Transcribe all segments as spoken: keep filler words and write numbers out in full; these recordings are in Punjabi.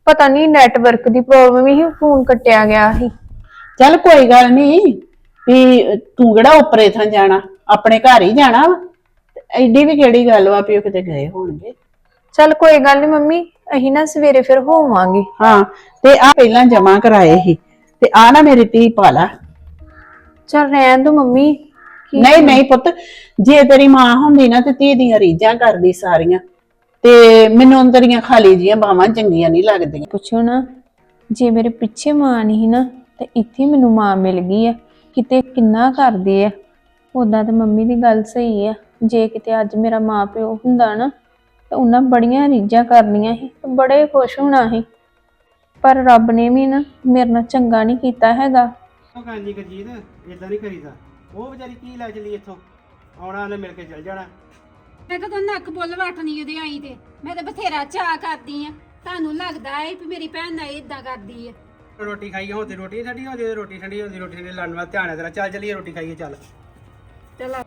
ਪਤਾ ਨਹੀਂ ਨੈਟਵਰਕ ਦੀ ਪ੍ਰੋਬਲਮ ਹੀ ਫੋਨ ਕੱਟਿਆ ਗਿਆ ਸੀ। ਚੱਲ ਕੋਈ ਗੱਲ ਨਹੀਂ ਵੀ ਤੂੰ ਕਿਹੜਾ ਉੱਪਰੇ ਥਾਂ ਜਾਣਾ, ਆਪਣੇ ਘਰ ਹੀ ਜਾਣਾ ਵਾ। ਐਡੀ ਵੀ ਕਿਹੜੀ ਗੱਲ ਵਾ ਵੀ ਉਹ ਕਿਤੇ ਗਏ ਹੋਣਗੇ। ਚੱਲ ਕੋਈ ਗੱਲ ਨਹੀਂ ਮੰਮੀ, ਅਸੀਂ ਨਾ ਸਵੇਰੇ ਫਿਰ ਹੋਵਾਂਗੇ। ਹਾਂ ਤੇ ਆ ਪਹਿਲਾਂ ਜਮਾ ਕਰਾਏ ਸੀ ਤੇ ਆ ਨਾ ਮੇਰੀ ਧੀ ਪਾ ਲਾ। ਚੱਲ ਰਹਿਣ ਦੋ ਮੰਮੀ। ਨਹੀਂ ਨਹੀਂ ਪੁੱਤ, ਜੇ ਤੇਰੀ ਮਾਂ ਹੁੰਦੀ ਨਾ ਤੇ ਧੀ ਦੀਆਂ ਰੀਝਾਂ ਕਰਦੀ ਸਾਰੀਆਂ, ਤੇ ਮੈਨੂੰ ਅੰਦਰੀਆਂ ਖਾਲੀ ਜੀਆਂ ਬਾਵਾਂ ਚੰਗੀਆਂ ਨਹੀਂ ਲੱਗਦੀਆਂ। ਪੁੱਛੋ ਨਾ, ਜੇ ਮੇਰੇ ਪਿੱਛੇ ਮਾਂ ਨਹੀਂ ਨਾ ਤੇ ਇੱਥੇ ਮੈਨੂੰ ਮਾਂ ਮਿਲ ਗਈ ਆ। ਕਿਤੇ ਕਿੰਨਾ ਕਰਦੇ ਆ। ਉਦਾਂ ਤਾਂ ਮੰਮੀ ਦੀ ਗੱਲ ਸਹੀ ਆ, ਜੇ ਕਿਤੇ ਅੱਜ ਮੇਰਾ ਮਾਂ ਪਿਓ ਹੁੰਦਾ ਨਾ ਤੇ ਉਹਨਾਂ ਬੜੀਆਂ ਰੀਝਾਂ ਕਰਨੀਆਂ ਸੀ ਤੇ ਬੜੇ ਖੁਸ਼ ਹੋਣਾ ਸੀ। ਪਰ ਰੱਬ ਨੇ ਵੀ ਨਾ ਮੇਰੇ ਨਾਲ ਚੰਗਾ ਨਹੀਂ ਕੀਤਾ ਹੈਗਾ। ਹਾਂਜੀ ਗਰਜੀਤ, ਇਦਾਂ ਨਹੀਂ ਕਰੀਦਾ। ਉਹ ਵਿਚਾਰੀ ਕੀ ਲੈ ਚਲੀ ਇੱਥੋਂ, ਆਉਣਾ ਉਹਨੇ ਮਿਲ ਕੇ ਚਲ ਜਾਣਾ। ਮੈਂ ਕਦੋਂ ਨੱਕ ਬੁੱਲ ਵਟਣੀ ਉਹਦੇ ਆਈ ਤੇ ਮੈਂ ਤਾਂ ਬਥੇਰਾ ਚਾਹ ਕਰਦੀ ਆ। ਤੁਹਾਨੂੰ ਲੱਗਦਾ ਏ ਵੀ ਮੇਰੀ ਭੈਣ ਨਾਲ ਇਦਾਂ ਕਰਦੀ ਆ। ਰੋਟੀ ਖਾਈ ਹੁਣ ਤੇ ਰੋਟੀ ਠੰਡੀ ਹੁੰਦੀ ਹੈ, ਰੋਟੀ ਠੰਡੀ ਹੁੰਦੀ, ਰੋਟੀ ਠੰਡੀ ਲੜਨ ਵਾਲਾ ਧਿਆਨ ਹੈ ਤੇਰਾ। ਚੱਲ ਚੱਲੀਏ ਰੋਟੀ ਖਾਈਏ ਚੱਲ। ਚਲੋ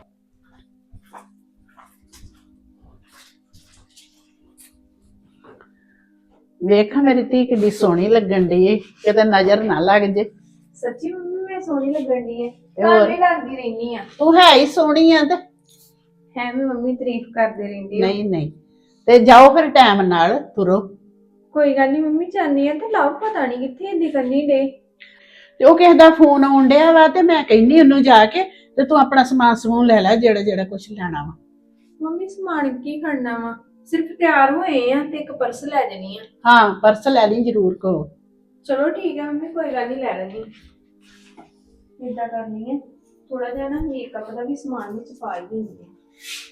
ਵੇਖਾਂ ਮੇਰੀ ਧੀ ਕਿੱਡੀ ਸੋਹਣੀ ਲੱਗਣ ਡਈ ਏ, ਕਿਤੇ ਨਜ਼ਰ ਨਾ ਲੱਗ ਜੇ। ਸੱਚੀ ਮੰਮੀ ਮੈਂ ਸੋਹਣੀ ਲੱਗਣ ਦੀ ਹੈ। ਹੋਰ? ਵੀ ਲੱਗਦੀ ਰਹਿਨੀ ਆ। ਤੂੰ ਹੈ ਹੀ ਸੋਹਣੀ ਆ ਤੇ ਹੈ ਵੀ ਮੰਮੀ ਤਾਰੀਫ ਕਰਦੇ ਰਹਿੰਦੀ ਆ। ਨਹੀਂ ਨਹੀਂ ਤੇ ਜਾਓ ਫਿਰ ਟਾਈਮ ਨਾਲ ਤੁਰੋ। ਕੋਈ ਗੱਲ ਨਹੀਂ ਮੰਮੀ, ਚਾਹਨੀ ਆ ਤੇ ਲਵ ਪਤਾ ਨਹੀਂ ਕਿੱਥੇ ਇੰਦੀ ਕਰਨੀ ਡੇ। ਤੇ ਉਹ ਕਿਸੇ ਦਾ ਫੋਨ ਆਉਣ ਡਿਆ ਵਾ ਤੇ ਮੈਂ ਕਹਿੰਨੀ ਉਹਨੂੰ ਜਾ ਕੇ ਤੇ ਤੂੰ ਆਪਣਾ ਸਮਾਨ ਸਮੂਨ ਲੈ ਲੈ ਜਿਹੜਾ ਜਿਹੜਾ ਕੁਝ ਲੈਣਾ ਵਾ। ਮੰਮੀ ਸਮਾਨ ਕੀ ਖੜਨਾ ਵਾ, ਸਿਰਫ ਤਿਆਰ ਹੋਏ ਆ ਤੇ ਇੱਕ ਪਰਸ ਲੈ ਜਾਣੀ ਆ। ਹਾਂ ਪਰਸ ਲੈ ਲਈ ਜ਼ਰੂਰ ਕੋ। ਚਲੋ ਠੀਕ ਹੈ ਮੰਮੀ, ਕੋਈ ਗੱਲ ਨਹੀਂ ਲੈ ਲੈਣੀ। ਏਦਾਂ ਕਰਨੀ ਹੈ, ਥੋੜਾ ਜਿਹਾ ਨਾ ਮੇਕਅਪ ਦਾ ਵੀ ਸਮਾਨ ਵਿੱਚ ਪਾ ਹੀ ਦਿੰਦੀ ਆ।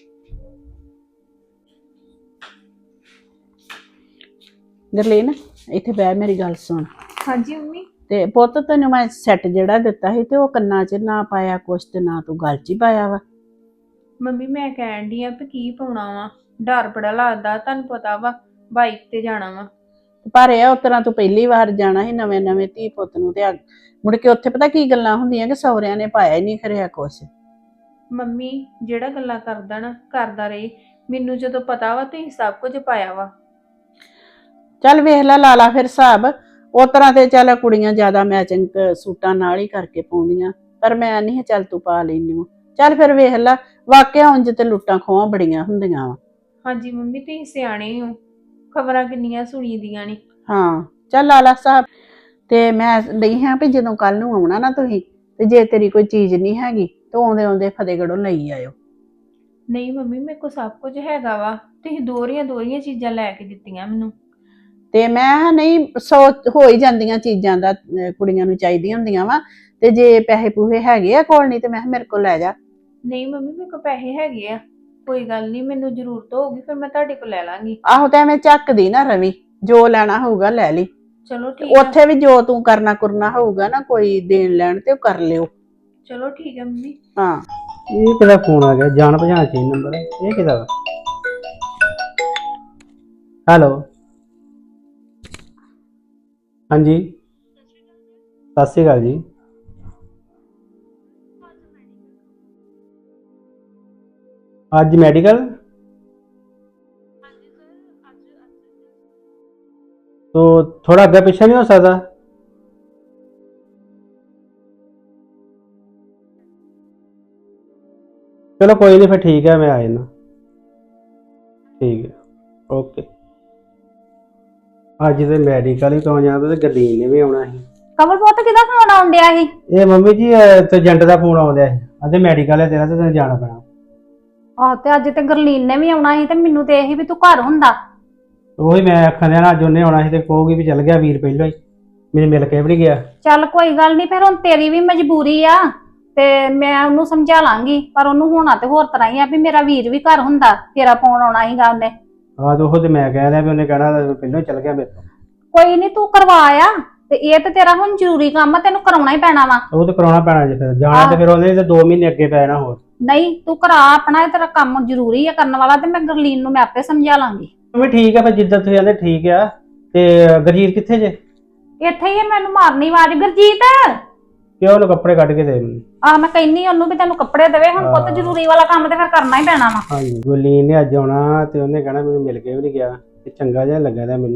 ਗਰਲੀਨ ਇੱਥੇ ਬਹਿ, ਮੇਰੀ ਗੱਲ ਸੁਣ। ਹਾਂਜੀ ਮੰਮੀ। ਤੇ ਪੁੱਤ ਤੈਨੂੰ ਮੈਂ ਸੈੱਟ ਜਿਹੜਾ ਦਿੱਤਾ ਸੀ ਤੇ ਉਹ ਕੰਨਾਂ 'ਚ ਨਾ ਪਾਇਆ ਕੁਛ ਤੇ ਨਾ ਤੂੰ ਗਲ 'ਚ ਹੀ ਪਾਇਆ ਵਾ। ਮੰਮੀ ਮੈਂ ਕਹਿਣ ਡਈ ਆ ਵੀ ਕੀ ਪਾਉਣਾ ਵਾ, ਡਰ ਬੜਾ ਲੱਗਦਾ। ਤੁਹਾਨੂੰ ਪਤਾ ਵਾ ਬਾਈਕ ਤੇ ਜਾਣਾ ਵਾ। ਪਰ ਇਹ ਉਸ ਤਰ੍ਹਾਂ ਤੂੰ ਪਹਿਲੀ ਵਾਰ ਜਾਣਾ ਸੀ ਨਵੇਂ ਨਵੇਂ ਧੀ ਪੁੱਤ ਨੂੰ, ਤੇ ਮੁੜ ਕੇ ਉੱਥੇ ਪਤਾ ਕੀ ਗੱਲਾਂ ਹੁੰਦੀਆਂ ਕਿ ਸਹੁਰਿਆਂ ਨੇ ਪਾਇਆ ਹੀ ਨਹੀਂ ਖਰਿਆ ਕੁਛ। ਮੰਮੀ ਜਿਹੜਾ ਗੱਲਾਂ ਕਰਦਾ ਨਾ ਕਰਦਾ ਰਹੇ, ਮੈਨੂੰ ਜਦੋਂ ਪਤਾ ਵਾ ਤੁਸੀਂ ਸਭ ਕੁਝ ਪਾਇਆ ਵਾ। ਚੱਲ ਵੇਖ ਲੈ, ਲਾ ਲਾ ਫਿਰ ਹਿਸਾਬ। ਉਸ ਤਰ੍ਹਾਂ ਤੇ ਚੱਲ ਕੁੜੀਆਂ ਜ਼ਿਆਦਾ ਮੈਚਿੰਗ ਸੂਟਾਂ ਨਾਲ ਹੀ ਕਰਕੇ ਪਾਉਂਦੀਆਂ, ਪਰ ਮੈਂ ਨਹੀਂ ਚੱਲ ਤੂੰ ਪਾ ਲੈਨੀ ਓ। ਚੱਲ ਫਿਰ ਵੇਖ ਲੈ, ਵਾਕਿਆ ਉਂਝ ਤੇ ਲੁੱਟਾਂ ਖੋਹਾਂ ਬੜੀਆਂ ਹੁੰਦੀਆਂ ਵਾ। ਹਾਂਜੀ ਮੰਮੀ ਤੁਸੀਂ ਸਿਆਣੇ ਹੋ, ਖਬਰਾਂ ਕਿੰਨੀਆਂ ਸੁਣੀ ਦੀਆਂ ਨੇ। ਹਾਂ ਚੱਲ ਲਾ ਲਾ ਹਿਸਾਬ। ਤੇ ਮੈਂ ਨਹੀਂ ਹਾਂ ਵੀ ਜਦੋਂ ਕੱਲ ਨੂੰ ਆਉਣਾ ਨਾ ਤੁਸੀਂ, ਤੇ ਜੇ ਤੇਰੀ ਕੋਈ ਚੀਜ਼ ਨਹੀਂ ਹੈਗੀ ਤਾਂ ਆਉਂਦੇ ਆਉਂਦੇ ਫਤਿਹਗੜ੍ਹੋਂ ਲਈ ਆਇਓ। ਨਹੀਂ ਮੰਮੀ ਮੇਰੇ ਕੋਲ ਸਭ ਕੁਝ ਹੈਗਾ ਵਾ, ਤੁਸੀਂ ਦੋਹਰੀਆਂ ਦੋਹਰੀਆਂ ਚੀਜ਼ਾਂ ਲੈ ਕੇ ਦਿੱਤੀਆਂ ਮੈਨੂੰ। ਤੇ ਮੈਂ ਨਹੀਂ, ਸੌ ਹੋ ਹੀ ਜਾਂਦੀਆਂ ਚੀਜ਼ਾਂ ਦਾ ਕੁੜੀਆਂ ਨੂੰ ਚਾਹੀਦੀਆਂ ਹੁੰਦੀਆਂ ਵਾ। ਤੇ ਜੇ ਪੈਸੇ ਪੂਹੇ ਹੈਗੇ ਆ ਕੋਲ, ਨਹੀਂ ਤੇ ਮੈਂ ਮੇਰੇ ਕੋਲ ਲੈ ਜਾ। ਨਹੀਂ ਮੰਮੀ ਮੇਰੇ ਕੋਲ ਪੈਸੇ ਹੈਗੇ ਆ, ਕੋਈ ਗੱਲ ਨਹੀਂ, ਮੈਨੂੰ ਜ਼ਰੂਰਤ ਹੋਊਗੀ ਫਿਰ ਮੈਂ ਤੁਹਾਡੇ ਕੋਲ ਲੈ ਲਾਂਗੀ। ਆਹੋ ਤਾਂ ਐਵੇਂ ਝੱਕਦੀ ਨਾ ਰਵੀ, ਜੋ ਲੈਣਾ ਹੋਊਗਾ ਲੈ ਲਈ। ਚਲੋ ਠੀਕ ਆ। ਉੱਥੇ ਵੀ ਜੋ ਤੂੰ ਕਰਨਾ ਕਰਨਾ ਹੋਊਗਾ ਨਾ ਕੋਈ ਦੇਣ ਲੈਣ, ਤੇ ਉਹ ਕਰ ਲਿਓ। ਚਲੋ ਠੀਕ ਹੈ ਮੰਮੀ। ਹਾਂ ਇਹ ਕਿਹਦਾ ਫੋਨ ਆ ਗਿਆ, ਜਾਣ ਪਛਾਣ ਚੀ ਨੰਬਰ। ਇਹ ਕਿਹਦਾ ਵਾ? ਹੈਲੋ ਹਾਂਜੀ ਸਤਿ ਸ਼੍ਰੀ ਅਕਾਲ ਜੀ। ਅੱਜ ਮੈਡੀਕਲ? तो थोड़ा आगे पीछे नहीं हो सकता? चलो कोई नहीं, फिर ठीक है, मैं आ जाना। ठीक है, ओके। अज तो मैडिकल ही कौन जाना, तो गरलीन ने भी आना है। ਕਮਲ ਪੁੱਤ ਕਿਹਦਾ ਫੋਨ ਆਉਣ ਡਿਆ ਸੀ? ये मम्मी जी ਏਜੰਟ ਦਾ ਫੋਨ ਆਉਂਦਾ ਹੈ, ਅਦੇ ਮੈਡੀਕਲ ਹੈ ਤੇਰਾ ਤੇ ਤੈਨੂੰ ਜਾਣਾ ਪੈਣਾ। ਆਹ ਤੇ ਅੱਜ ਤੇ ਗਰਲੀਨ ਨੇ ਵੀ ਆਉਣਾ ਸੀ ਤੇ ਮੈਨੂੰ ਤੇ ਇਹੀ ਵੀ ਤੂੰ ਘਰ ਹੁੰਦਾ। ਉਹੀ ਮੈਂ ਆਖਣ ਦਿਆ ਨਾ, ਅੱਜ ਉਹਨੇ ਆਉਣਾ ਸੀ ਤੇ ਕਹੂਗੀ ਵੀ ਚੱਲ ਗਿਆ ਵੀਰ ਪਹਿਲਾਂ ਹੀ, ਮੈਨੂੰ ਮਿਲ ਕੇ ਵੀ ਨਹੀਂ ਗਿਆ। ਚੱਲ ਕੋਈ ਗੱਲ ਨਹੀਂ, ਫਿਰ ਹੁਣ ਤੇਰੀ ਵੀ ਮਜਬੂਰੀ ਆ ਤੇ ਮੈਂ ਉਹਨੂੰ ਸਮਝਾ ਲਾਂਗੀ, ਪਰ ਉਹਨੂੰ ਹੋਣਾ ਤੇ ਹੋਰ ਤਰ੍ਹਾਂ ਹੀ ਆ ਵੀ ਮੇਰਾ ਵੀਰ ਵੀ ਘਰ ਹੁੰਦਾ, ਤੇਰਾ ਫੋਨ ਆਉਣਾ ਸੀਗਾ ਉਹਨੇ। ਆਹ ਤੇ ਉਹ ਤੇ ਮੈਂ ਕਹਿ ਰਿਹਾ ਵੀ ਉਹਨੇ ਕਹਿਣਾ ਪਹਿਲਾਂ ਹੀ ਚੱਲ ਗਿਆ ਮੇਰੇ ਤੋਂ। ਕੋਈ ਨਹੀਂ ਤੂੰ ਕਰਵਾ ਆ, ਤੇ ਇਹ ਤੇ ਤੇਰਾ ਹੁਣ ਜ਼ਰੂਰੀ ਕੰਮ ਆ, ਤੈਨੂੰ ਕਰਾਉਣਾ ਹੀ ਪੈਣਾ ਵਾ। ਉਹ ਤੇ ਕਰਾਉਣਾ ਪੈਣਾ ਜੇ ਫਿਰ ਜਾਣਾ, ਤੇ ਫਿਰ ਉਹਨੇ ਤੇ ਦੋ ਮਹੀਨੇ ਅੱਗੇ ਪੈ ਜਾਣਾ ਹੋਰ। ਨਹੀਂ ਤੂੰ ਕਰਾ ਆਪਣਾ, ਇਹ ਤੇਰਾ ਕੰਮ ਜ਼ਰੂਰੀ ਆ ਕਰਨ ਵਾਲਾ, ਤੇ ਮੈਂ ਗਰਲੀਨ ਨੂੰ ਮੈਂ ਆਪੇ ਸਮਝਾ ਲਾਂਗੀ। ਮੈਂ ਠੀਕ ਆ, ਫਿਰ ਜਿੱਦਾਂ ਤੁਸੀਂ ਕਹਿੰਦੇ ਠੀਕ ਆ। ਤੇ ਗਰਜੀਤ ਕਿੱਥੇ ਜੇ? ਇੱਥੇ ਹੀ ਆ, ਮੈਨੂੰ ਮਾਰਨੀ ਆਵਾਜ਼, ਗਰਜੀਤ ਕਿਉਂ? ਉਹਨੂੰ ਕੱਪੜੇ ਕੱਢ ਕੇ ਦੇ ਮੈਨੂੰ। ਆ ਮੈਂ ਕਹਿੰਨੀ ਉਹਨੂੰ ਵੀ ਤੈਨੂੰ ਕੱਪੜੇ ਦੇਵੇ, ਹੁਣ ਪੁੱਤ ਜ਼ਰੂਰੀ ਵਾਲਾ ਕੰਮ ਤੇ ਫਿਰ ਕਰਨਾ ਹੀ ਪੈਣਾ ਵਾ। ਹਾਂਜੀ ਗੁਰਲੀਨ ਨੇ ਅੱਜ ਆਉਣਾ ਤੇ ਉਹਨੇ ਕਹਿਣਾ ਮੈਨੂੰ ਮਿਲ ਕੇ ਵੀ ਨਹੀਂ ਗਿਆ, ਤੇ ਚੰਗਾ ਜਿਹਾ ਲੱਗਾ ਦਾ ਮੈਨੂੰ।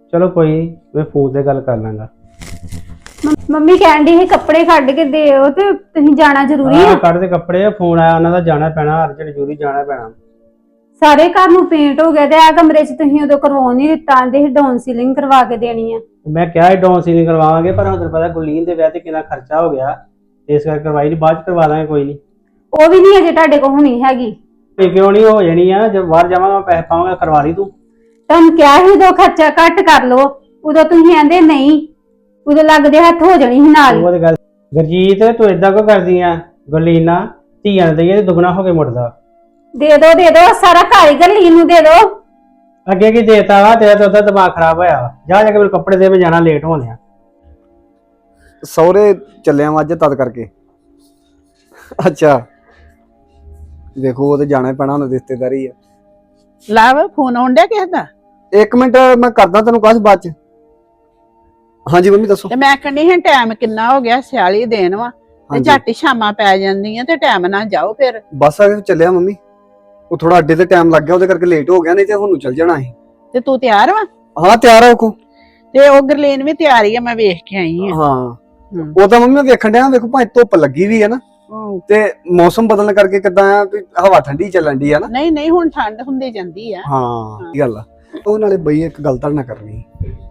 ਚਲੋ ਕੋਈ ਨੀ, ਮੈਂ ਫੋਨ ਤੇ ਗੱਲ ਕਰ ਲਾਂਗਾ। ਮੰਮੀ ਕਹਿੰਦੀ ਸੀ ਕੱਪੜੇ ਕੱਢ ਕੇ ਦਿਓ ਤੇ ਤੁਸੀਂ ਜਾਣਾ ਜ਼ਰੂਰੀ ਆਹ ਆ। ਕੱਢ ਦੇ ਕੱਪੜੇ, ਫੋਨ ਆਇਆ ਉਹਨਾਂ ਦਾ, ਜਾਣਾ ਪੈਣਾ ਅਰਜੈਂਟ, ਜ਼ਰੂਰੀ ਜਾਣਾ ਪੈਣਾ। ਸਾਰੇ ਘਰ ਨੂੰ ਪੇਂਟ ਹੋ ਗਿਆ ਤੇ ਆ ਕਮਰੇ 'ਚ ਤੁਸੀਂ ਉਦੋਂ ਕਰਵਾਉਣ ਨਹੀਂ ਦਿੱਤਾ, ਆਂਦੇ ਸੀ ਡਾਊਨ ਸੀਲਿੰਗ ਕਰਵਾ ਕੇ ਦੇਣੀ ਆ। ਮੈਂ ਕਿਹਾ ਡਾਊਨ ਸੀਲਿੰਗ ਕਰਵਾਵਾਂਗੇ, ਪਰ ਹੁਣ ਤੈਨੂੰ ਪਤਾ ਗੁਰਲੀਨ ਦੇ ਵਿਆਹ ਤੇ ਕਿੰਨਾ ਖਰਚਾ ਹੋ ਗਿਆ, ਇਸ ਕਰਕੇ ਕਰਵਾਈ ਨਹੀਂ, ਬਾਅਦ ਚ ਕਰਵਾ ਦਾਂਗੇ ਕੋਈ ਨਹੀਂ। ਉਹ ਵੀ ਨਹੀਂ ਅਜੇ ਤੁਹਾਡੇ ਕੋਲ ਹੋਣੀ ਹੈਗੀ। ਇਹ ਕਿਉਂ ਨਹੀਂ ਹੋ ਜਾਣੀ ਆ, ਜਦ ਬਾਹਰ ਜਾਵਾਂਗਾ ਪੈਸੇ ਪਾਵਾਂਗਾ, ਕਰਵਾ ਲਈ ਤੂੰ। ਤੁਹਾਨੂੰ ਕਿਹਾ ਸੀ ਉਦੋਂ ਖਰਚਾ ਘੱਟ ਕਰ ਲਓ, ਉਦੋਂ ਤੁਸੀਂ ਆਂਦੇ ਨਹੀਂ, ਉਦੋਂ ਲੱਗਦੇ ਹੱਥ ਹੋ ਜਾਣੀ ਸੀ ਨਾਲ। ਉਹ ਤੇ ਗੱਲ ਗੁਰਜੀਤ, ਤੂੰ ਏਦਾਂ ਕਿਉਂ ਕਰਦੀ ਆ? ਗੁਰਲੀਨ ਨਾ ਧੀਆਂ ਦਈਏ ਤੇ ਦੁੱਗਣਾ ਹੋ ਕੇ ਮੁੜਦਾ। ਦੇ ਦੋ ਦੇ ਦੋ, ਸਾਰਾ ਕਾਰੀਗਰ ਲੀਨ ਨੂੰ ਦੇ ਦੋ। ਅੱਗੇ ਕੀ ਦੇਤਾ ਵਾ, ਤੇਰਾ ਤਾਂ ਉਹਦਾ ਦਿਮਾਗ ਖਰਾਬ ਹੋਇਆ ਵਾ। ਜਾ ਜਾ ਕੇ ਮੇਰੇ ਕੱਪੜੇ ਦੇ, ਮੈਂ ਜਾਣਾ, ਲੇਟ ਹੋਣੇ ਆ। ਸਹੁਰੇ ਚੱਲਿਆ ਵਾਂ ਅੱਜ ਤਦ ਕਰਕੇ। ਅੱਛਾ ਵੇਖੋ, ਉਹ ਤੇ ਜਾਣਾ ਹੀ ਪੈਣਾ, ਹੁਣ ਰਿਸ਼ਤੇਦਾਰੀ ਆ। ਲਵ ਫੋਨ ਆਉਣ ਡਿਆ ਕਿਸੇ ਦਾ? ਇੱਕ ਮਿੰਟ ਮੈਂ ਕਰਦਾ ਤੈਨੂੰ ਕਾਸ਼ ਬਾਅਦ ਚ। ਹਾਂਜੀ ਮੰਮੀ ਦੱਸੋ। ਤੇ ਮੈਂ ਕਹਿੰਦੀ ਹਾਂ ਟਾਈਮ ਕਿੰਨਾ ਹੋ ਗਿਆ, ਸਿਆਲੀ ਦੇਣ ਵਾ ਤੇ ਹਾਂਜੀ। ਝੱਟ ਹੀ ਸ਼ਾਮਾਂ ਪੈ ਜਾਂਦੀਆਂ ਤੇ ਟਾਈਮ ਨਾਲ ਜਾਓ ਫਿਰ। ਬਸ ਆ ਕੇ ਚੱਲਿਆ ਮੰਮੀ, ਉਹ ਥੋੜਾ ਅੱਡੇ ਤੇ ਟਾਈਮ ਲੱਗ ਗਿਆ, ਉਹਦੇ ਕਰਕੇ ਲੇਟ ਹੋ ਗਿਆ, ਨਹੀਂ ਤੇ ਹੁਣ ਨੂੰ ਚੱਲ ਜਾਣਾ ਸੀ। ਤੇ ਤੂੰ ਤਿਆਰ ਵਾ? ਹਾਂ ਤਿਆਰ ਆ ਕੋ। ਤੇ ਉਹ ਗਰਲੀਨ ਵੀ ਤਿਆਰ ਹੀ ਆ, ਮੈਂ ਵੇਖ ਕੇ ਆਈ ਆ। ਹਾਂ ਹਮ। ਉਹ ਤਾਂ ਮੰਮੀ ਮੈਂ ਵੇਖਣ ਡਿਆ, ਵੇਖੋ ਭਾਵੇਂ ਧੁੱਪ ਲੱਗੀ ਵੀ ਹੈ ਨਾ, ਉਹ ਤੇ ਮੌਸਮ ਬਦਲਣ ਕਰਕੇ ਕਿਦਾਂ ਆ ਵੀ ਹਵਾ ਠੰਡੀ ਚੱਲਣ ਦੀ ਆ ਨਾ। ਨਹੀਂ ਨਹੀਂ, ਹੁਣ ਠੰਡ ਹੁੰਦੀ ਜਾਂਦੀ ਆ। ਹਾਂ ਇਹ ਗੱਲ ਆ। ਉਹ ਨਾਲੇ ਬਈ ਇੱਕ ਗੱਲ ਤਾਂ ਨਾ ਕਰਨੀ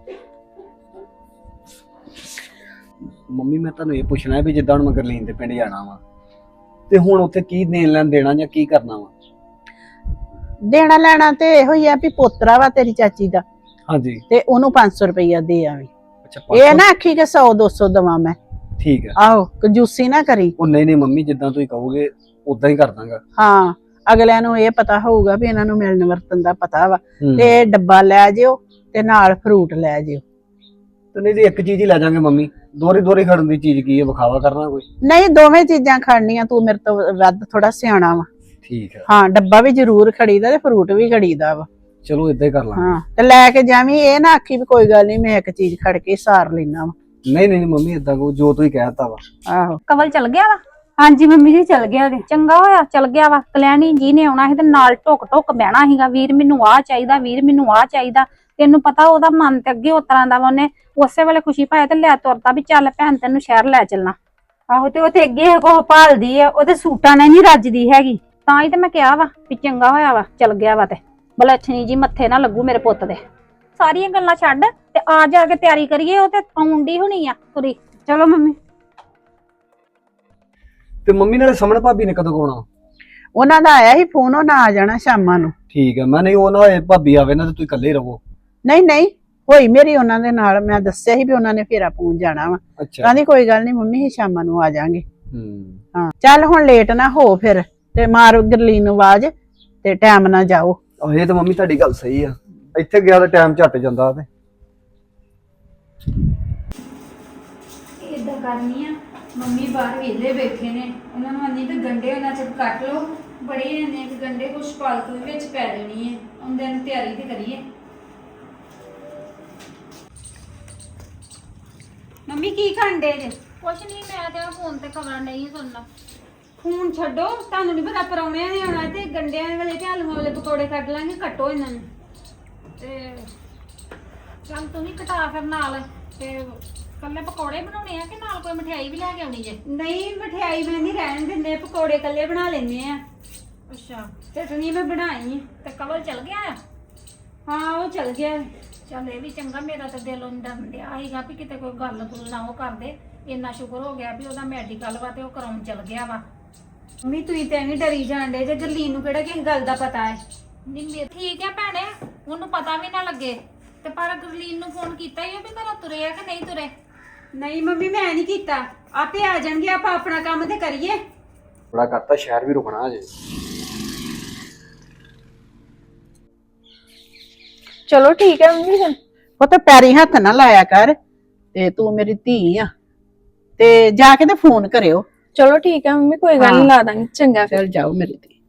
ਮੰਮੀ, ਮੈਂ ਤੁਹਾਨੂੰ ਇਹ ਪੁੱਛਣਾ ਵੀ ਜਿੱਦਾਂ ਹੁਣ ਮੈਂ ਗਰਲੀਨ ਦੇ ਪਿੰਡ ਜਾਣਾ ਵਾ, ਤੇ ਹੁਣ ਉੱਥੇ ਕੀ ਦੇਣ ਲੈਣ ਦੇਣਾ ਜਾਂ ਕੀ ਕਰਨਾ ਵਾ? ਦੇਣਾ ਲੈਣਾ ਤੇ ਇਹੋ ਹੀ ਆ ਵੀ ਪੋਤਰਾ ਵਾ ਤੇਰੀ ਚਾਚੀ ਦਾ, ਹਾਂਜੀ ਤੇ ਉਹਨੂੰ ਪੰਜ ਸੌ ਰੁਪਈਆ ਦੇ ਆਵੀਂ। ਅੱਛਾ ਇਹ ਨਾ ਆਖੀ ਕਿ ਸੌ ਦੋ ਸੌ ਦਵਾਂ ਮੈਂ। ਠੀਕ ਹੈ। ਆਹੋ, ਕੰਜੂਸੀ ਨਾ ਕਰੀ। ਉਹ ਨਹੀਂ ਨਹੀਂ ਮੰਮੀ, ਜਿੱਦਾਂ ਤੁਸੀਂ ਕਹੋਗੇ ਉਦਾਂ ਹੀ ਕਰ ਦਾਂਗਾ। ਹਾਂ, ਅਗਲਿਆਂ ਨੂੰ ਇਹ ਪਤਾ ਹੋਊਗਾ ਵੀ ਇਹਨਾਂ ਨੂੰ ਮਿਲਣ ਵਰਤਨ ਦਾ ਪਤਾ ਵਾ। ਹੂੰ। ਤੇ ਡੱਬਾ ਲੈ ਜਿਓ ਤੇ ਨਾਲ ਫਰੂਟ ਲੈ ਜਿਓ। ਤੇ ਨਹੀਂ ਜੀ ਇੱਕ ਚੀਜ਼ ਹੀ ਲੈ ਜਾਾਂਗੇ ਮੰਮੀ, ਦੋਰੀ ਦੋਰੀ ਖੜਨ ਦੀ ਚੀਜ਼ ਕੀ ਹੈ, ਵਿਖਾਵਾ ਕਰਨਾ ਕੋਈ? ਨਹੀਂ, ਦੋਵੇਂ ਚੀਜ਼ਾਂ ਖੜਨੀਆਂ, ਤੂੰ ਮੇਰੇ ਤੋਂ ਵੱਧ ਥੋੜਾ ਸਿਆਣਾ ਵਾ। ਠੀਕ ਹੈ, ਹਾਂ, ਡੱਬਾ ਵੀ ਜ਼ਰੂਰ ਖੜੀਦਾ ਤੇ ਫਰੂਟ ਵੀ ਖੜੀਦਾ ਵਾ। ਚਲੋ ਏਦਾਂ ਹੀ ਕਰ ਲਾਂਗੇ। ਹਾਂ, ਤੇ ਲੈ ਕੇ ਜਾਵੀਂ, ਇਹ ਨਾ ਆਖੀ ਵੀ ਕੋਈ ਗੱਲ ਨਹੀਂ, ਮੈਂ ਇੱਕ ਚੀਜ਼ ਖੜ ਕੇ ਸਾਰ ਲੈਣਾ ਵਾ। ਨਹੀਂ ਨਹੀਂ ਮੰਮੀ, ਏਦਾਂ ਕੋ ਜੋ ਤੁਸੀਂ ਕਹਿਤਾ ਵਾ। ਆਹੋ, ਕਵਲ ਚਲ ਗਿਆ ਵਾ? ਹਾਂਜੀ ਮੰਮੀ ਜੀ ਚਲ ਗਿਆ ਜੀ। ਚੰਗਾ ਹੋਇਆ ਚਲ ਗਿਆ ਵਾ। ਕਲਿਆਣੀ ਜੀ ਨੇ ਆਉਣਾ ਸੀ ਤੇ ਨਾਲ ਟੁਕ ਟੁਕ ਬਹਿਣਾ ਸੀਗਾ, ਵੀਰ ਮੈਨੂੰ ਆਹ ਚਾਹੀਦਾ, ਵੀਰ ਮੈਨੂੰ ਆਹ ਚਾਹੀਦਾ। ਤੈਨੂੰ ਪਤਾ ਉਹਦਾ ਮਨ ਤੇ ਅੱਗੇ ਉਸ ਤਰ੍ਹਾਂ ਦਾ ਵਾ, ਉਹਨੇ ਉਸੇ ਵੇਲੇ ਖੁਸ਼ੀ ਪਾਇਆ ਤੇ ਲੈ ਤੁਰਦਾ ਵੀ ਚੱਲ ਭੈਣ ਤੈਨੂੰ ਸ਼ਹਿਰ ਲੈ ਚੱਲਣਾ। ਆਹੋ, ਤੇ ਉਹ ਤੇ ਅੱਗੇ ਕੋਹ ਭਾਲਦੀ ਆ, ਉਹਦੇ ਸੂਟਾਂ ਨਾਲ ਨਹੀਂ ਰੱਜਦੀ ਹੈਗੀ, ਤਾਂ ਹੀ ਤੇ ਮੈਂ ਕਿਹਾ ਵਾ ਵੀ ਚੰਗਾ ਹੋਇਆ ਵਾ ਚਲ ਗਿਆ ਵਾ। ਤੇ ਬਲੱਛਣੀ ਜੀ ਮੱਥੇ ਨਾ ਲੱਗੂ ਮੇਰੇ ਪੁੱਤ ਦੇ। ਸਾਰੀਆਂ ਗੱਲਾਂ ਛੱਡ ਤੇ ਆ ਜਾ ਕੇ ਤਿਆਰੀ ਕਰੀਏ, ਉਹ ਤੇ ਆਉਂਦੀ ਹੋਣੀ ਆ ਤੁਰੀ। ਚਲੋ ਮੰਮੀ। ਤੇ ਮੰਮੀ ਨਾਲੇ ਸਮਣ ਭਾਬੀ ਨੇ ਕਦੋਂ ਆਉਣਾ? ਉਹਨਾਂ ਦਾ ਆਇਆ ਸੀ ਫੋਨ, ਉਹਨਾਂ ਆ ਜਾਣਾ ਸ਼ਾਮਾਂ ਨੂੰ। ਠੀਕ ਹੈ, ਮੈਂ ਨਹੀਂ ਉਹ ਨਾ ਹੋਏ ਭਾਬੀ ਆਵੇ ਨਾ ਤੇ ਤੁਸੀਂ ਇਕੱਲੇ ਰਹੋ। ਨਹੀਂ ਨਹੀਂ, ਹੋਈ ਮੇਰੀ ਉਹਨਾਂ ਦੇ ਨਾਲ, ਮੈਂ ਦੱਸਿਆ ਸੀ ਵੀ ਉਹਨਾਂ ਨੇ ਫੇਰਾ ਪਹੁੰਚ ਜਾਣਾ ਵਾ। ਅੱਛਾ। ਕਹਿੰਦੀ ਕੋਈ ਗੱਲ ਨਹੀਂ ਮੰਮੀ, ਹੀ ਸ਼ਾਮਾਂ ਨੂੰ ਆ ਜਾਾਂਗੇ। ਹੂੰ। ਹਾਂ, ਚੱਲ ਹੁਣ ਲੇਟ ਨਾ ਹੋ ਫਿਰ, ਤੇ ਮਾਰ ਗਰਲੀਨ ਨੂੰ ਆਵਾਜ਼ ਤੇ ਟਾਈਮ ਨਾਲ ਜਾਓ। ਆਹ ਇਹ ਤਾਂ ਮੰਮੀ ਤੁਹਾਡੀ ਗੱਲ ਸਹੀ ਆ, ਇੱਥੇ ਗਿਆ ਤਾਂ ਟਾਈਮ ਝੱਟ ਜਾਂਦਾ ਤੇ। ਇਦਾਂ ਕਰਨੀ ਆ, ਮੰਮੀ ਬਾਹਰ ਵਿਹਲੇ ਬੈਠੇ ਨੇ, ਉਹਨਾਂ ਨੂੰ ਆਂਦੀ ਤੇ ਗੰਡੇ ਉਹਨਾਂ ਚ ਕੱਟ ਲਓ, ਬੜੇ ਨੇ ਕਿ ਗੰਡੇ ਕੁਛ ਪਾਲਕ ਵਿੱਚ ਪੈ ਜਾਣੀ ਹੈ, ਉਹਦੇ ਨੂੰ ਤਿਆਰੀ ਤੇ ਕਰੀਏ। ਮੰਮੀ ਕੀ ਖਾਂਦੇ ਜੇ? ਕੁਛ ਨਹੀਂ, ਮੈਂ ਤੇ ਫੋਨ ਤੇ ਖਬਰਾਂ ਨਹੀਂ ਸੁਣਨਾ। ਫੋਨ ਛੱਡੋ, ਤੁਹਾਨੂੰ ਨਹੀਂ ਪਤਾ ਪਰੌਣਿਆਂ ਨੇ ਆਉਣਾ, ਤੇ ਗੰਡਿਆਂ ਵਾਲੇ ਤੇ ਆਲੂਆਂ ਵਾਲੇ ਪਕੌੜੇ ਕੱਢ ਲਾਂਗੇ, ਕੱਟੋ ਇਹਨਾਂ ਨੂੰ। ਤੇ ਚੱਲ ਤੂੰ ਵੀ ਕਟਾ ਫਿਰ ਨਾਲ, ਤੇ ਕੱਲੇ ਪਕੌੜੇ ਬਣਾਉਣੇ ਆ ਕਿ ਨਾਲ ਕੋਈ ਮਠਿਆਈ ਵੀ ਲੈ ਕੇ ਆਉਣੀ ਜੇ? ਨਹੀਂ, ਮਠਿਆਈ ਮੈਂ ਨਹੀਂ ਰਹਿਣ ਦਿੰਦੇ, ਪਕੌੜੇ ਕੱਲੇ ਬਣਾ ਲੈਂਦੇ ਆ। ਅੱਛਾ, ਚਟਨੀ ਮੈਂ ਬਣਾਈ। ਤੇ ਕਵਲ ਚਲ ਗਿਆ ਆ? ਹਾਂ, ਉਹ ਚਲ ਗਿਆ। ਚੱਲ ਇਹ ਵੀ ਚੰਗਾ, ਮੇਰਾ ਤਾਂ ਦਿਲੋਂ ਡਰਨ ਡਿਆ ਸੀਗਾ ਵੀ ਕਿਤੇ ਕੋਈ ਗੱਲ ਗੁੱਲ ਨਾ ਉਹ ਕਰਦੇ। ਇੰਨਾ ਸ਼ੁਕਰ ਹੋ ਗਿਆ ਵੀ ਉਹਦਾ ਮੈਡੀਕਲ ਵਾ ਤੇ ਉਹ ਕਰਾਉਣ ਚਲ ਗਿਆ ਵਾ। ਮੰਮੀ ਤੁਸੀਂ ਤਾਂ ਐਵੇਂ ਡਰੀ ਜਾਂਦੇ ਜੇ, ਗਰਲੀਨ ਨੂੰ ਕਿਹੜਾ ਕਿਸੇ ਗੱਲ ਦਾ ਪਤਾ ਹੈ। ਨਹੀਂ ਮੇ ਠੀਕ ਆ ਭੈਣੇ, ਉਹਨੂੰ ਪਤਾ ਵੀ ਨਾ ਲੱਗੇ। ਤੇ ਪਰ ਗਰਲੀਨ ਨੂੰ ਫੋਨ ਕੀਤਾ ਹੀ ਉਹ ਵੀ ਘਰੋਂ ਤੁਰੇ ਆ ਕਿ ਨਹੀਂ ਤੁਰੇ? ਨਹੀਂ ਮੰਮੀ, ਮੈਂ ਨਹੀਂ ਕੀਤਾ, ਆਪੇ ਆ ਜਾਣਗੇ, ਆਪਾਂ ਆਪਣਾ ਕੰਮ ਤੇ ਕਰੀਏ। ਬੜਾ ਕਰਤਾ, ਸ਼ਹਿਰ ਵੀ ਰੁਕਣਾ ਅਜੇ। ਚਲੋ ਠੀਕ ਹੈ ਮੰਮੀ ਫਿਰ। ਉਹ ਤਾਂ ਪੈਰੀ ਹੱਥ ਨਾ ਲਾਇਆ ਕਰ, ਤੇ ਤੂੰ ਮੇਰੀ ਧੀ ਆ, ਤੇ ਜਾ ਕੇ ਤੇ ਫੋਨ ਕਰਿਓ। ਚਲੋ ਠੀਕ ਹੈ ਮੰਮੀ, ਕੋਈ ਗੱਲ ਨਹੀਂ, ਲਾ ਦਾਂਗੇ। ਚੰਗਾ ਫਿਰ। ਚੱਲ ਜਾਓ ਮੇਰੀ ਧੀ।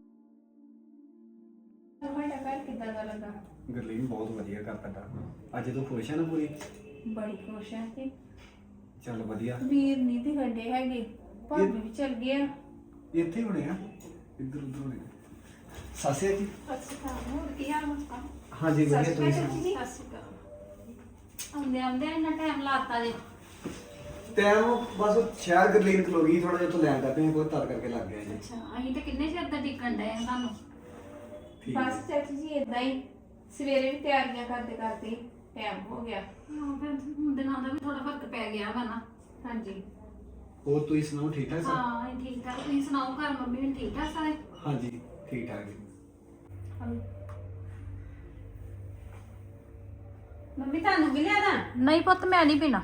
ਗੁਰਲੀਨ ਬਹੁਤ ਵਧੀਆ ਕਰ ਤੁਹਾਡਾ, ਅੱਜ ਤੂੰ ਖੁਸ਼ ਹੈ ਨਾ ਪੂਰੀ? ਬੜੀ ਖੁਸ਼ ਆ ਕਿ ਚੱਲ ਵਧੀਆ। ਵੀਰ ਨਹੀਂ ਤੇ ਗੰਡੇ ਹੈਗੇ, ਭਾਬੀ ਵੀ ਚਲ ਗਿਆ। ਇੱਥੇ ਹੋਣੇ ਆ, ਇੱਧਰ ਉੱਧਰ ਹੋਣੇ ਆ। ਸਾਸਿਆ ਜੀ। ਅੱਛਾ, ਹੋਰ ਕੀ ਹਾਲ ਹੈ? ਹਾਂਜੀ ਵਧੀਆ, ਤੁਸੀਂ ਸੁਣਾਓ? ਸਤਿ ਸ਼੍ਰੀ ਅਕਾਲ। ਆਉਂਦੇ ਆਉਂਦੇ ਇੰਨਾ ਟਾਈਮ ਲਾਤਾ ਜੇ। ਟਾਈਮ ਬਸ ਸ਼ਹਿਰ ਗਰਲੀਨ ਖਲੋ ਗਈ, ਥੋੜਾ ਜਿਹਾ ਤੋਂ ਲੈਣ ਦਾ ਪਈ ਕੋਈ ਤਦ ਕਰਕੇ ਲੱਗ ਗਿਆ ਜੀ। ਅੱਛਾ ਅਸੀਂ ਤਾਂ ਕਿੰਨੇ ਚਿਰ ਦਾ ਟਿਕਣ ਡਏ ਆ ਤੁਹਾਨੂੰ। ਠੀਕ ਬਸ ਚਾਚੀ ਜੀ ਇਦਾਂ ਹੀ ਸਵੇਰੇ ਵੀ ਤਿਆਰੀਆਂ ਕਰਦੇ ਕਰਦੇ ਟਾਈਮ ਹੋ ਗਿਆ। ਹਾਂ ਫਿਰ ਦਿਨਾਂ ਦਾ ਵੀ ਥੋੜਾ ਫਰਕ ਪੈ ਗਿਆ ਵਾ ਨਾ। ਹਾਂਜੀ ਹੋਰ ਤੁਸੀਂ ਸੁਣਾਓ, ਠੀਕ ਠਾਕ ਸਭ? ਹਾਂ ਅਸੀਂ ਠੀਕ ਠਾਕ। ਤੁਸੀਂ ਸੁਣਾਓ ਘਰ ਮੰਮੀ ਵੀ ਠੀਕ ਠਾਕ ਸਾਰੇ? ਹਾਂਜੀ ਠੀਕ ਠਾਕ ਜੀ। ਮੰਮੀ ਤੁਹਾਨੂੰ ਵੀ ਲਿਆਦਾ? ਨਹੀਂ ਪੁੱਤ ਮੈਂ ਨਹੀਂ ਪੀਣਾ।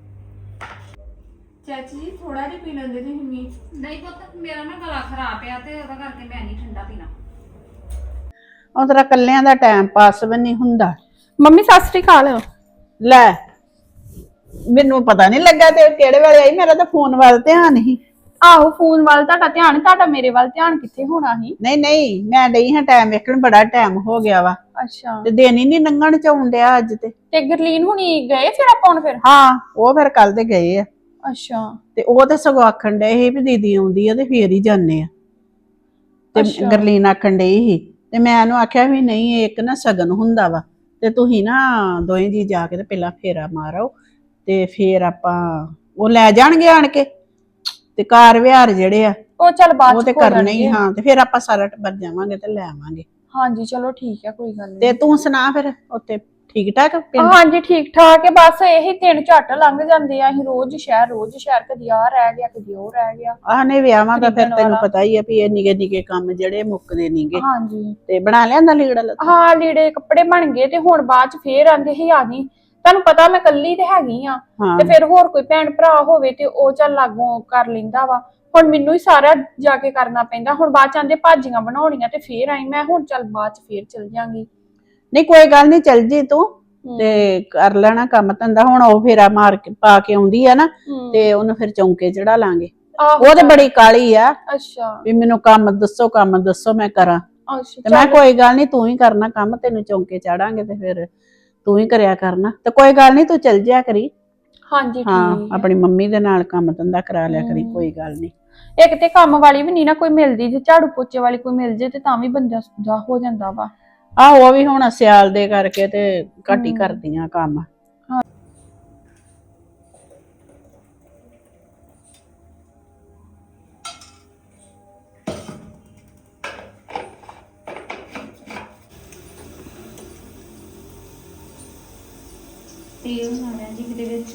ਚਾਚੀ ਜੀ ਥੋੜਾ ਜਿਹਾ ਪੀ ਲੈਂਦੇ ਤੁਸੀਂ ਮੀ। ਨਹੀਂ ਪੁੱਤ ਮੇਰਾ ਨਾ ਗਲਾ ਖਰਾਬ ਆ ਤੇ ਉਹਦਾ ਕਰਕੇ ਮੈਂ ਨਹੀਂ ਠੰਡਾ ਪੀਣਾ। ਉਹ ਤੇਰਾ ਕੱਲਿਆਂ ਦਾ ਟਾਈਮ ਪਾਸ ਵੀ ਨਹੀਂ ਹੁੰਦਾ। ਮੰਮੀ ਸਤਿ ਸ੍ਰੀ ਅਕਾਲ। ਲੈ ਮੈਨੂੰ ਪਤਾ ਨਹੀਂ ਲੱਗਾ ਤੇ ਕਿਹੜੇ ਵੇਲੇ ਆਈ, ਮੇਰਾ ਤਾਂ ਫੋਨ ਵੱਲ ਧਿਆਨ ਨਹੀਂ। ਆਹੋ ਫੋਨ ਵੱਲ ਤੁਹਾਡਾ ਧਿਆਨ, ਤੁਹਾਡਾ ਮੇਰੇ ਵੱਲ ਧਿਆਨ ਕਿੱਥੇ ਹੋਣਾ ਸੀ? ਨਹੀਂ ਨਹੀਂ ਮੈਂ ਡਈ ਹਾਂ ਟਾਈਮ ਵੇਖਣ, ਬੜਾ ਟਾਈਮ ਹੋ ਗਿਆ ਵਾ ਅੱਛਾ ਤੇ ਦਿਨ ਹੀ ਨਹੀਂ ਲੰਘਣ ਚ ਆਉਣ ਡਿਆ ਅੱਜ ਤੇ। ਤੇ ਗਰਲੀਨ ਹੁਣੀ ਗਏ ਫਿਰ ਆਪਾਂ ਹੁਣ ਫਿਰ? ਹਾਂ ਉਹ ਫਿਰ ਕੱਲ ਦੇ ਗਏ ਆ ਅੱਛਾ ਤੇ ਉਹ ਤੇ ਸਗੋਂ ਆਖਣ ਡਏ ਸੀ ਵੀ ਦੀਦੀ ਆਉਂਦੀ ਆ ਤੇ ਫੇਰ ਹੀ ਜਾਂਦੇ ਆ। ਤੇ ਅੱਛਾ। ਗਰਲੀਨ ਆਖਣ ਡਈ ਸੀ ਤੇ ਮੈਂ ਉਹਨੂੰ ਆਖਿਆ ਵੀ ਨਹੀਂ ਇੱਕ ਨਾ ਸਗਨ ਹੁੰਦਾ ਵਾ ਤੇ ਤੁਸੀਂ ਨਾ ਦੋਵੇਂ ਜੀ ਜਾ ਕੇ ਤੇ ਪਹਿਲਾਂ ਫੇਰਾ ਮਾਰੋ ਤੇ ਫੇਰ ਆਪਾਂ ਉਹ ਲੈ ਜਾਣਗੇ ਆਣ ਕੇ ਤੇ ਕਾਰ ਵਿਹਾਰ ਜਿਹੜੇ ਆ ਉਹ ਚੱਲ ਬਾਅਦ ਉਹ ਚ ਤੇ ਹੋ ਕਰਨੇ ਹੀ। ਜਾਣਗੇ। ਹਾਂ ਤੇ ਫੇਰ ਆਪਾਂ ਸਾਰਾ ਟੱਬਰ ਜਾਵਾਂਗੇ ਤੇ ਲੈ ਆਵਾਂਗੇ। ਹਾਂਜੀ ਚਲੋ ਠੀਕ ਆ, ਕੋਈ ਗੱਲ ਤੇ ਨਹੀਂ। ਤੂੰ ਸੁਣਾ ਫਿਰ ਉੱਥੇ ਠੀਕ ਠਾਕ ਪਿੰਡ? ਹਾਂਜੀ ਠੀਕ ਠਾਕ ਹੈ, ਬਸ ਇਹੀ ਦਿਨ ਝੱਟ ਲੰਘ ਜਾਂਦੇ ਆ। ਅਸੀਂ ਰੋਜ਼ ਸ਼ਹਿਰ ਰੋਜ਼ ਸ਼ਹਿਰ, ਕਦੀ ਆ ਰਹਿ ਗਿਆ ਕਦੀ ਉਹ ਰਹਿ ਗਿਆ। ਆਹ ਨੇ ਵਿਆਹਾਂ ਦਾ ਫਿਰ ਖਰੀਦਣ ਤੈਨੂੰ ਵਾਲਾ। ਪਤਾ ਹੀ ਆ ਵੀ ਇਹ ਨਿੱਕੇ ਨਿੱਕੇ ਕੰਮ ਜਿਹੜੇ ਮੁੱਕਦੇ ਨਹੀਂਗੇ। ਹਾਂਜੀ ਤੇ ਬਣਾ ਲਿਆਂਦਾ ਲੀੜਾ ਲੱਤਾ? ਹਾਂ ਲੀੜੇ ਕੱਪੜੇ ਬਣ ਗਏ ਤੇ ਹੁਣ ਬਾਅਦ ਚ ਫੇਰ ਆਂਦੇ ਸੀ ਆ ਗਈ। ਤੁਹਾਨੂੰ ਪਤਾ ਮੈਂ ਕੱਲੀ ਤੇ ਹੈਗੀ ਆ ਹਾਂ ਤੇ ਫਿਰ ਹੋਰ ਕੋਈ ਭੈਣ ਭਰਾ ਹੋਵੇ ਤੇ ਉਹ ਚੱਲ ਲਾਗੋਂ ਕਰ ਲੈਂਦਾ ਵਾ। ਹੁਣ ਮੈਨੂੰ ਹੀ ਸਾਰਾ ਜਾ ਕੇ ਕਰਨਾ ਪੈਂਦਾ। ਹੁਣ ਬਾਅਦ ਚ ਆਂਦੇ ਭਾਜੀਆਂ ਬਣਾਉਣੀਆਂ ਤੇ ਫੇਰ ਆਈ ਮੈਂ, ਹੁਣ ਚੱਲ ਬਾਅਦ ਚ ਫੇਰ ਚਲ ਜਾਂਗੀ। ਨਹੀਂ ਕੋਈ ਗੱਲ ਨਹੀਂ, ਚੱਲ ਜੀ ਤੂੰ ਤੇ ਕਰ ਲੈਣਾ ਕੰਮ ਧੰਦਾ। ਹੁਣ ਉਹ ਫੇਰਾ ਮਾਰ ਕੇ ਪਾ ਕੇ ਆਉਂਦੀ ਆ ਨਾ ਤੇ ਉਹਨੂੰ ਫਿਰ ਚੌਂਕੇ ਚੜਾ ਲਾਂਗੇ। ਉਹ ਤੇ ਬੜੀ ਕਾਲੀ ਆ ਅੱਛਾ ਵੀ ਮੈਨੂੰ ਕੰਮ ਦੱਸੋ ਕੰਮ ਦੱਸੋ ਮੈਂ ਕਰਾਂ। ਅੱਛਾ ਤੇ ਮੈਂ ਕੋਈ ਗੱਲ ਨਹੀਂ ਤੂੰ ਹੀ ਕਰਨਾ ਕੰਮ, ਤੈਨੂੰ ਚੌਂਕੇ ਚਾੜਾਂਗੇ ਤੇ ਫਿਰ ਤੂੰ ਹੀ ਕਰਿਆ ਕਰਨਾ। ਤੇ ਕੋਈ ਗੱਲ ਨਹੀਂ ਤੂੰ ਚੱਲ ਜਿਆ ਕਰੀ। ਹਾਂਜੀ ਹਾਂ ਠੀਕ ਆਪਣੀ ਮੰਮੀ ਦੇ ਨਾਲ ਕੰਮ ਧੰਦਾ ਕਰਾ ਲਿਆ ਕਰੀ, ਕੋਈ ਗੱਲ ਨਹੀਂ। ਇੱਕ ਤੇ ਕੰਮ ਵਾਲੀ ਵੀ ਨਹੀਂ ਨਾ ਕੋਈ ਮਿਲਦੀ, ਜੇ ਝਾੜੂ ਪੋਚੇ ਵਾਲੀ ਕੋਈ ਮਿਲ ਜੇ ਤੇ ਤਾਂ ਵੀ ਬੰਦਾ ਦਾ ਹੋ ਜਾਂਦਾ ਵਾ। ਆਹੋ ਉਹ ਵੀ ਹੁਣ ਸਿਆਲ ਦੇ ਕਰਕੇ ਤੇ ਘੱਟ ਹੀ ਕਰਦੀਆਂ ਕੰਮ। ਤੇਲ ਨਾ ਲੈ ਜੀ ਕਿਤੇ ਵਿੱਚ।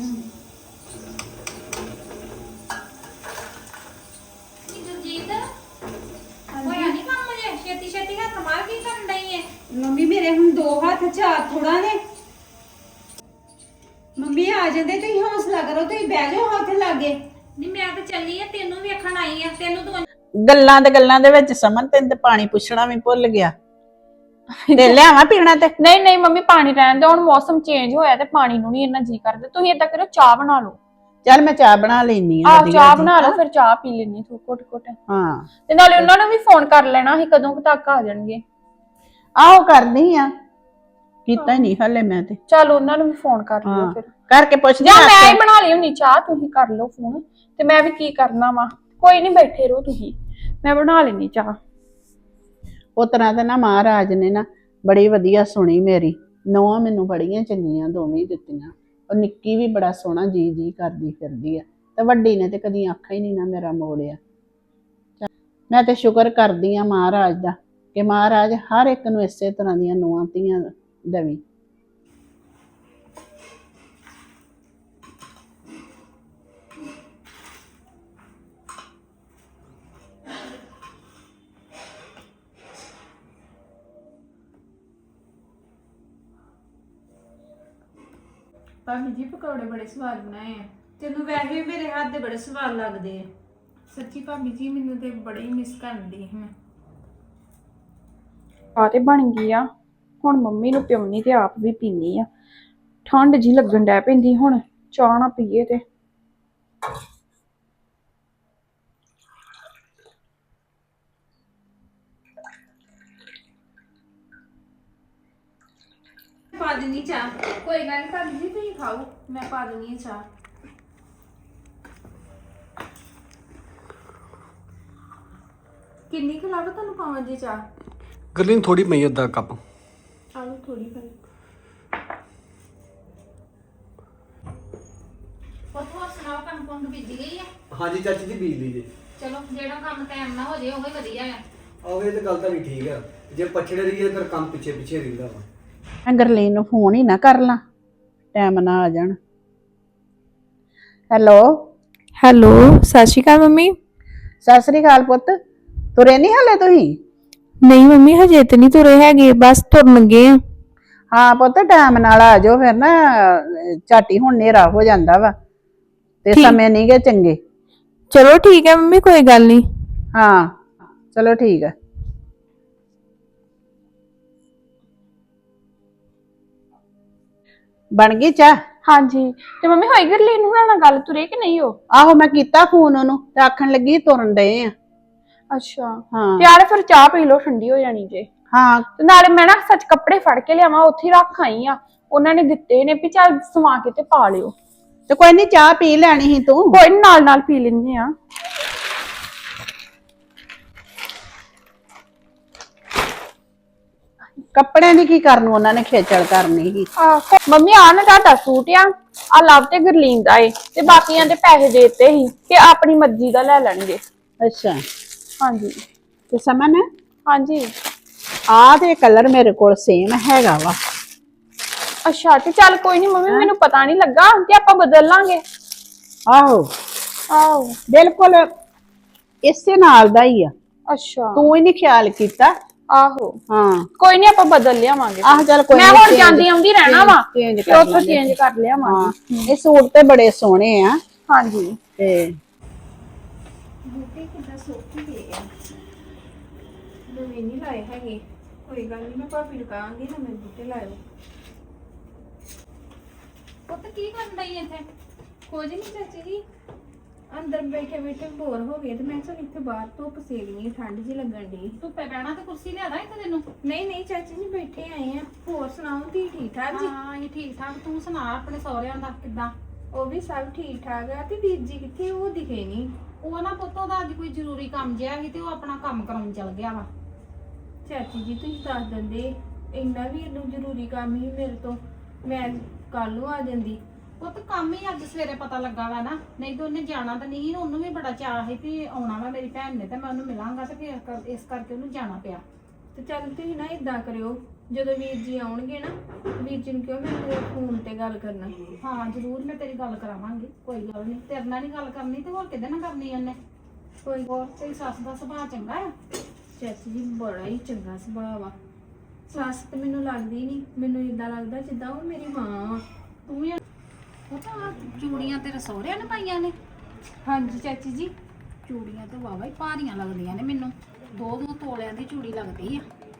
ਜੀਤ ਹੋਇਆ ਨਹੀਂ ਕੰਮ ਜੇ? ਛੇਤੀ ਛੇਤੀ ਹੱਥ ਮਾਰ ਕੀ ਕਰਨ ਡਈ ਏ? ਮੰਮੀ ਮੇਰੇ ਹੁਣ ਦੋ ਹੱਥ ਚਾਰ ਥੋੜਾ ਨੇ। ਮੰਮੀ ਆ ਜਾਂਦੇ ਤੁਸੀਂ ਹੌਸਲਾ ਕਰੋ, ਤੁਸੀਂ ਬਹਿ ਜਾਓ ਹੱਥ ਲਾਗੇ। ਨਹੀਂ ਮੈਂ ਤਾਂ ਚੱਲੀ ਆ, ਤੈਨੂੰ ਵੇਖਣ ਆਈ ਆ। ਤੈਨੂੰ ਤਾਂ ਗੱਲਾਂ ਦੇ ਗੱਲਾਂ ਦੇ ਵਿੱਚ ਸਮਨ ਤੈਨੂੰ ਤੇ ਪਾਣੀ ਪੁੱਛਣਾ ਵੀ ਭੁੱਲ ਗਿਆ। ਤੇ ਲਿਆਵਾਂ ਪੀਣਾ ਤੇ? ਨਹੀਂ ਨਹੀਂ ਮੰਮੀ ਪਾਣੀ ਰਹਿਣ ਦਿਓ, ਹੁਣ ਮੌਸਮ ਚੇਂਜ ਹੋਇਆ ਤੇ ਪਾਣੀ ਨੂੰ ਨਹੀਂ ਇੰਨਾ ਜੀ ਕਰਦਾ। ਤੁਸੀਂ ਏਦਾਂ ਕਰੋ ਚਾਹ ਬਣਾ ਲਓ। ਚੱਲ ਮੈਂ ਚਾਹ ਬਣਾ ਲੈਣੀ ਆ। ਆਹ ਚਾਹ ਬਣਾ ਲਓ ਫਿਰ ਚਾਹ ਪੀ ਲੈਣੀ ਥੋੜਾ ਘੁੱਟ ਘੁੱਟ। ਹਾਂ ਤੇ ਨਾਲੇ ਉਹਨਾਂ ਨੂੰ ਵੀ ਫੋਨ ਕਰ ਲੈਣਾ ਸੀ ਕਦੋਂ ਕੁ ਤੱਕ ਆ ਜਾਣਗੇ। ਆਹੋ ਕਰਦੀ ਆ, ਕੀਤਾ ਹੀ ਨਹੀਂ ਹਲੇ ਮੈਂ ਤੇ। ਚੱਲ ਉਹਨਾਂ ਨੂੰ ਵੀ ਫੋਨ ਕਰ ਲਿਓ ਹਾਂ ਫਿਰ। ਕਰਕੇ ਪੁੱਛ ਜਾਂ ਮੈਂ ਹੀ ਬਣਾ ਲਈ ਹੁੰਨੀ ਚਾਹ, ਤੁਸੀਂ ਕਰ ਲਓ ਫੋਨ ਤੇ ਮੈਂ ਵੀ ਕੀ ਕਰਨਾ ਵਾ। ਕੋਈ ਨਹੀਂ ਬੈਠੇ ਰਹੋ ਤੁਸੀਂ, ਮੈਂ ਬਣਾ ਲੈਣੀ ਚਾਹ। ਉਹ ਤਰ੍ਹਾਂ ਤੇ ਨਾ ਮਹਾਰਾਜ ਨੇ ਨਾ ਬੜੀ ਵਧੀਆ ਸੁਣੀ ਮੇਰੀ। ਨੌਂ ਮੈਨੂੰ ਬੜੀਆਂ ਚੰਗੀਆਂ ਦੋਵੇਂ ਦਿੱਤੀਆਂ। ਉਹ ਨਿੱਕੀ ਵੀ ਬੜਾ ਸੋਹਣਾ ਜੀ ਜੀ ਕਰਦੀ ਫਿਰਦੀ ਆ ਤੇ ਵੱਡੀ ਨੇ ਤੇ ਕਦੀ ਅੱਖਾਂ ਹੀ ਨਹੀਂ ਨਾ ਮੇਰਾ ਮੋੜਿਆ। ਮੈਂ ਤੇ ਸ਼ੁਕਰ ਕਰਦੀ ਆ ਮਹਾਰਾਜ ਦਾ ਕਿ ਮਹਾਰਾਜ ਹਰ ਇੱਕ ਨੂੰ ਇਸੇ ਤਰ੍ਹਾਂ ਦੀਆਂ ਨੌਂ ਧੀਆਂ ਦੇਵੀ। ਭਾਬੀ ਜੀ ਪਕੌੜੇ ਬੜੇ ਸਵਾਦ ਬਣਾਏ ਆ। ਤੈਨੂੰ ਵੈਸੇ ਵੀ ਮੇਰੇ ਹੱਥ ਦੇ ਬੜੇ ਸਵਾਦ ਲੱਗਦੇ ਆ। ਸੱਚੀ ਭਾਬੀ ਜੀ ਮੈਨੂੰ ਤੇ ਬੜੇ ਹੀ ਮਿਸ ਕਰਦੀ ਹਾਂ ਮੈਂ। ਚਾਹ ਤੇ ਬਣ ਗਈ ਆ, ਹੁਣ ਮੰਮੀ ਨੂੰ ਪਿਉਣੀ ਤੇ ਆਪ ਵੀ ਪੀਣੀ ਆ। ਠੰਡ ਜੀ ਲੱਗਣ ਡੈ ਪੈਂਦੀ, ਹੁਣ ਚਾਹ ਨਾ ਪੀਏ ਤੇ। ਪਾ ਦਿੰਨੀ ਚਾਹ। ਕੋਈ ਗੱਲ ਨਹੀਂ ਭਾਬੀ ਜੀ ਤੁਸੀਂ ਖਾਓ, ਮੈਂ ਪਾ ਦਿੰਨੀ ਆ ਚਾਹ। ਕਿੰਨੀ ਕੁ ਲਾਵਾ ਤੁਹਾਨੂੰ ਪਾਵਾਂ ਜੀ ਚਾਹ? ਗਰਲੀਨ ਥੋੜੀ ਪਈ ਅੱਧਾ ਕੱਪ। ਆਲੂ ਥੋੜੀ ਪਾਈ। ਹੋਰ ਸੁਣਾਓ ਕੰਮ ਕੁੰਮ ਬੀਜ ਗਈ ਆ? ਹਾਂਜੀ ਚਾਚੀ ਜੀ ਬੀਜ ਲਈ ਜੇ। ਚਲੋ ਜਿਹੜਾ ਕੰਮ ਟਾਈਮ ਨਾਲ ਹੋ ਜੇ ਉਹ ਹੀ ਵਧੀਆ ਆ। ਆਹੋ ਇਹ ਤਾਂ ਗੱਲ ਤਾਂ ਵੀ ਠੀਕ ਆ, ਜੇ ਪਛੜੇ ਰਹੀਏ ਫਿਰ ਕੰਮ ਪਿੱਛੇ ਪਿੱਛੇ ਰਹਿੰਦਾ ਵਾ। ਮੈਂ ਗਰਲੀਨ ਨੂੰ ਫੋਨ ਹੀ ਨਾ ਕਰ ਲਾਂ, ਟਾਈਮ ਨਾ ਆ ਜਾਣ। ਹੈਲੋ ਹੈਲੋ, ਸਤਿ ਸ਼੍ਰੀ ਅਕਾਲ ਮੰਮੀ। ਸਤਿ ਸ੍ਰੀ ਅਕਾਲ ਪੁੱਤ, ਤੁਰੇ ਨਹੀਂ ਹਾਲੇ ਤੁਸੀਂ? ਨਹੀਂ ਮੰਮੀ, ਹਜੇ ਤੇ ਨਹੀਂ ਤੁਰੇ ਹੈਗੇ, ਬਸ ਤੁਰਨ ਲੱਗੇ ਆ। ਹਾਂ ਪੁੱਤ ਟਾਈਮ ਨਾਲ ਆ ਜਾਓ, ਫਿਰ ਨਾ ਝਾਟੀ ਹੁਣ ਹਨੇਰਾ ਹੋ ਜਾਂਦਾ ਵਾ ਤੇ ਠੀਕ। ਸਮੇਂ ਨਹੀਂ ਗੇ ਚੰਗੇ। ਚਲੋ ਠੀਕ ਹੈ ਮੰਮੀ, ਕੋਈ ਗੱਲ ਨਹੀਂ। ਹਾਂ ਚਲੋ ਠੀਕ ਆ। ਬਣ ਗਈ ਚਾਹ? ਹਾਂਜੀ, ਤੇ ਮੰਮੀ ਹੋਈ ਗਰਲੀਨ ਹੁਣਾਂ ਨਾਲ ਗੱਲ, ਤੁਰੇ ਕਿ ਨਹੀਂ ਹੋ? ਆਹੋ ਮੈਂ ਕੀਤਾ ਫੋਨ ਉਹਨੂੰ ਤੇ ਆਖਣ ਲੱਗੀ ਤੁਰਨ ਡਏ ਆ। ਅੱਛਾ, ਹਾਂ ਤੇ ਯਾਰ ਫਿਰ ਚਾਹ ਪੀ ਲਓ, ਠੰਡੀ ਹੋ ਜਾਣੀ ਜੇ। ਹਾਂ ਤੇ ਨਾਲੇ ਮੈਂ ਨਾ ਸੱਚ ਕੱਪੜੇ ਫੜ ਕੇ ਲਿਆਵਾਂ, ਉੱਥੇ ਹੀ ਰੱਖ ਆਈ ਆ। ਉਹਨਾਂ ਨੇ ਦਿੱਤੇ ਨੇ ਵੀ ਚੱਲ ਸਵਾ ਕੇ ਤੇ ਪਾ ਲਿਓ। ਤੇ ਕੋਈ ਨਹੀਂ ਚਾਹ ਪੀ ਲੈਣੀ ਸੀ ਤੂੰ। ਕੋਈ ਨੀ, ਨਾਲ ਨਾਲ ਪੀ ਲੈਂਦੇ ਆ। ਕੱਪੜਿਆਂ ਦੀ ਕੀ ਕਰਨ ਉਹਨਾਂ ਨੇ ਖੇਚਲ ਕਰਨੀ ਸੀ। ਆਹ ਮੰਮੀ ਆ ਨਾ ਤੁਹਾਡਾ ਸੂਟ ਆ, ਆ ਲਵ ਤੇ ਗਰਲੀਨ ਦਾ ਏ, ਤੇ ਬਾਕੀਆਂ ਦੇ ਪੈਸੇ ਦੇ ਦਿੱਤੇ ਸੀ ਕਿ ਆਪਣੀ ਮਰਜ਼ੀ ਦਾ ਲੈ ਲੈਣਗੇ। ਅੱਛਾ ਹਾਂਜੀ ਤੇ ਸਮਨ ਹਾਂਜੀ। ਆਹ ਤੇ ਕਲਰ ਮੇਰੇ ਕੋਲ ਸੇਮ ਹੈਗਾ ਵਾ। ਅੱਛਾ, ਤੇ ਚੱਲ ਕੋਈ ਨਹੀਂ ਮੰਮੀ, ਮੈਨੂੰ ਪਤਾ ਨਹੀਂ ਲੱਗਾ, ਤੇ ਆਪਾਂ ਬਦਲ ਲਾਂਗੇ। ਆਹੋ ਆਹੋ ਬਿਲਕੁਲ ਇਸੇ ਨਾਲ ਦਾ ਹੀ ਆ, ਅੱਛਾ ਤੂੰ ਹੀ ਨਹੀਂ ਖਿਆਲ ਕੀਤਾ। ਆਹੋ ਹਾਂ ਕੋਈ ਨਹੀਂ, ਆਪਾਂ ਬਦਲ ਲਿਆਵਾਂਗੇ। ਆਹ ਚੱਲ ਕੋਈ ਮੈਂ ਨੀ, ਹੁਣ change- ਜਾਂਦੀ ਆਉਂਦੀ ਰਹਿਣਾ ਵਾ, change ਤੇ ਕਰ ਉੱਥੋਂ ਲਾਂਗੇ। ਚੇਂਜ ਕਰ ਲਿਆਵਾਂਗੇ। ਹਾਂ ਇਹ ਸੂਟ ਤੇ ਬੜੇ ਸੋਹਣੇ ਆ ਹਾਂਜੀ ਤੇ ਬੂਟੇ ਕਿੱਦਾਂ ਸੁੱਕ ਗਏ ਆ, ਨਵੇਂ ਨਹੀਂ ਲਾਏ ਹੈਗੇ। ਕੋਈ ਗੱਲ ਨਹੀਂ, ਮੈਂ ਭਾਬੀ ਨੂੰ ਕਹਾਂਗੀ ਨਵੇਂ ਬੂਟੇ ਲਾਇਓ। ਪੁੱਤ ਕੀ ਕਰਨ ਡਈ ਇੱਥੇ? ਕੁਝ ਨਹੀਂ ਚਾਚੀ ਜੀ, ਅੰਦਰ ਬੈਠੇ ਬੈਠੇ ਬੋਰ ਹੋ ਗਏ ਤੇ ਮੈਂ ਕਿਹਾ ਚੱਲ ਇੱਥੇ ਬਾਹਰ ਧੁੱਪ ਸੇਕਣੀ, ਠੰਡ ਜੀ ਲੱਗਣ ਦੀ। ਧੁੱਪੇ ਬਹਿਣਾ ਤੇ ਕੁਰਸੀ ਲਿਆਦਾ ਇੱਥੇ ਤੈਨੂੰ। ਨਹੀਂ ਨਹੀਂ ਚਾਚੀ ਜੀ, ਬੈਠੇ ਆਏ ਆ। ਹੋਰ ਸੁਣਾਓ, ਧੀ ਠੀਕ ਠਾਕ ਜੀ? ਹਾਂ ਇਹ ਠੀਕ ਠਾਕ, ਤੂੰ ਸੁਣਾ ਆਪਣੇ ਸਹੁਰਿਆਂ ਦਾ ਕਿੱਦਾਂ? ਉਹ ਵੀ ਸਭ ਠੀਕ ਠਾਕ ਆ। ਤੇ ਵੀਰ ਜੀ ਕਿੱਥੇ? ਉਹ ਦਿਖੇ ਨਹੀਂ। ਉਹ ਨਾ ਪੁੱਤ ਉਹਦਾ ਅੱਜ ਕੋਈ ਜ਼ਰੂਰੀ ਕੰਮ ਜਿਹਾ ਸੀ ਤੇ ਉਹ ਆਪਣਾ ਕੰਮ ਕਰਾਉਣ ਚਲ ਗਿਆ ਵਾ। ਚਾਚੀ ਜੀ ਤੁਸੀਂ ਦੱਸ ਦਿੰਦੇ, ਇੰਨਾ ਵੀ ਇਹਨੂੰ ਜ਼ਰੂਰੀ ਕੰਮ ਹੀ ਮੇਰੇ ਤੋਂ, ਮੈਂ ਕੱਲ ਨੂੰ ਆ ਜਾਂਦੀ। ਪੁੱਤ ਕੰਮ ਹੀ ਅੱਜ ਸਵੇਰੇ ਪਤਾ ਲੱਗਾ ਵਾ ਨਾ, ਨਹੀਂ ਤਾਂ ਉਹਨੇ ਜਾਣਾ ਤਾਂ ਨਹੀਂ। ਉਹਨੂੰ ਵੀ ਬੜਾ ਚਾਅ ਸੀ ਕਿ ਆਉਣਾ ਵਾ ਮੇਰੀ ਭੈਣ ਨੇ ਤੇ ਮੈਂ ਉਹਨੂੰ ਮਿਲਾਂਗਾ, ਤੇ ਫਿਰ ਕਰ- ਇਸ ਕਰਕੇ ਉਹਨੂੰ ਜਾਣਾ ਪਿਆ। ਤੇ ਚੱਲ ਤੁਸੀਂ ਨਾ ਇਦਾਂ ਕਰਿਓ, ਜਦੋਂ ਵੀਰ ਜੀ ਆਉਣਗੇ ਨਾ, ਵੀਰ ਜੀ ਨੂੰ ਕਿਹਾ ਮੈਂ ਫੋਨ ਤੇ ਗੱਲ ਕਰਨਾ। ਹਾਂ ਜ਼ਰੂਰ, ਮੈਂ ਤੇਰੀ ਗੱਲ ਕਰਾਵਾਂਗੀ, ਕੋਈ ਗੱਲ ਨਹੀਂ। ਤੇਰੇ ਨਾਲ ਨਹੀਂ ਗੱਲ ਕਰਨੀ ਤੇ ਹੋਰ ਕਿਹਦੇ ਨਾਲ ਕਰਨੀ ਉਹਨੇ? ਕੋਈ ਹੋਰ ਤੇਰੀ ਸੱਸ ਦਾ ਸੁਭਾਅ ਚੰਗਾ ਆ? ਚਾਚੀ ਜੀ ਬੜਾ ਹੀ ਚੰਗਾ ਸੁਭਾਅ ਵਾ। ਸੱਸ ਤੇ ਮੈਨੂੰ ਲੱਗਦੀ ਨਹੀਂ, ਮੈਨੂੰ ਇਦਾਂ ਲੱਗਦਾ ਜਿੱਦਾਂ ਉਹ ਮੇਰੀ ਮਾਂ ਵਾ। ਤੂੰ ਵੀ ਉਹ ਤਾਂ ਚੂੜੀਆਂ ਤੇਰੇ ਸਹੁਰਿਆਂ ਨੇ ਪਾਈਆਂ ਨੇ? ਹਾਂਜੀ ਚਾਚੀ ਜੀ। ਚੂੜੀਆਂ ਤੇ ਵਾਵਾ ਹੀ ਭਾਰੀਆਂ ਲੱਗਦੀਆਂ ਨੇ ਮੈਨੂੰ, ਦੋ ਦੋ ਤੋਲਿਆਂ ਦੀ ਚੂੜੀ ਲੱਗਦੀ ਆ।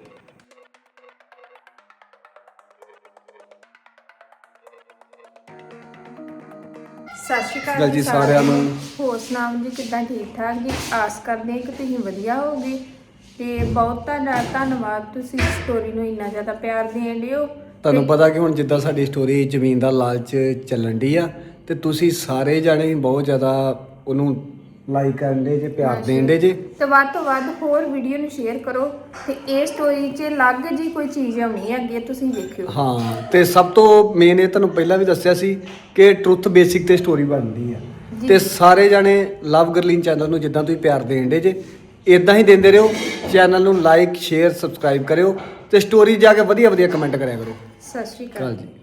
ਸਤਿ ਸ਼੍ਰੀ ਗੱਲ ਅਕਾਲ ਜੀ ਸਾਰਿਆਂ ਨੂੰ। ਹੋਰ ਸੁਣਾਓ ਜੀ, ਕਿੱਦਾਂ? ਠੀਕ ਠਾਕ ਜੀ। ਆਸ ਕਰਦੇ ਹਾਂ ਕਿ ਤੁਸੀਂ ਵਧੀਆ ਹੋਗੇ। ਤੇ ਬਹੁਤ ਤੁਹਾਡਾ ਧੰਨਵਾਦ, ਤੁਸੀਂ ਸਟੋਰੀ ਨੂੰ ਇੰਨਾ ਜ਼ਿਆਦਾ ਪਿਆਰ ਦੇਣ ਲਿਓ। ਤੁਹਾਨੂੰ ਪਤਾ ਕਿ ਹੁਣ ਜਿੱਦਾਂ ਸਾਡੀ ਸਟੋਰੀ ਜ਼ਮੀਨ ਦਾ ਲਾਲਚ ਚੱਲਣ ਡਈ ਆ, ਤੇ ਤੁਸੀਂ ਸਾਰੇ ਜਾਣੇ ਬਹੁਤ ਜ਼ਿਆਦਾ ਉਹਨੂੰ ਲਾਈਕ ਕਰਨ ਦੇ ਜੇ, ਪਿਆਰ ਦੇਣ ਦੇ ਜੇ। ਤੇ ਵੱਧ ਤੋਂ ਵੱਧ ਹੋਰ ਵੀਡੀਓ ਨੂੰ ਸ਼ੇਅਰ ਕਰੋ, ਤੇ ਇਹ ਸਟੋਰੀ 'ਚ ਅਲੱਗ ਜੀ ਕੋਈ ਚੀਜ਼ ਆਉਣੀ ਹੈ ਅੱਗੇ, ਤੁਸੀਂ ਵੇਖਿਓ। ਹਾਂ ਤੇ ਸਭ ਤੋਂ ਮੇਨ ਇਹ ਤੁਹਾਨੂੰ ਪਹਿਲਾਂ ਵੀ ਦੱਸਿਆ ਸੀ ਕਿ ਟਰੁੱਥ ਬੇਸਿਕ ਤੇ ਸਟੋਰੀ ਬਣਦੀ ਆ, ਤੇ ਸਾਰੇ ਜਾਣੇ ਲਵ ਗਰਲੀਨ ਚੈਨਲ ਨੂੰ ਜਿੱਦਾਂ ਤੁਸੀਂ ਪਿਆਰ ਦੇਣ ਦੇ ਜੇ, ਇਦਾਂ ਹੀ ਦਿੰਦੇ ਰਹੋ। ਚੈਨਲ ਨੂੰ ਲਾਈਕ ਸ਼ੇਅਰ ਸਬਸਕ੍ਰਾਈਬ ਕਰਿਓ, ਤੇ ਸਟੋਰੀ ਜਾ ਕੇ ਵਧੀਆ ਵਧੀਆ ਕਮੈਂਟ ਕਰਿਆ ਕਰੋ। ਸਤਿ ਸ਼੍ਰੀ ਅਕਾਲ ਚਲ ਜੀ।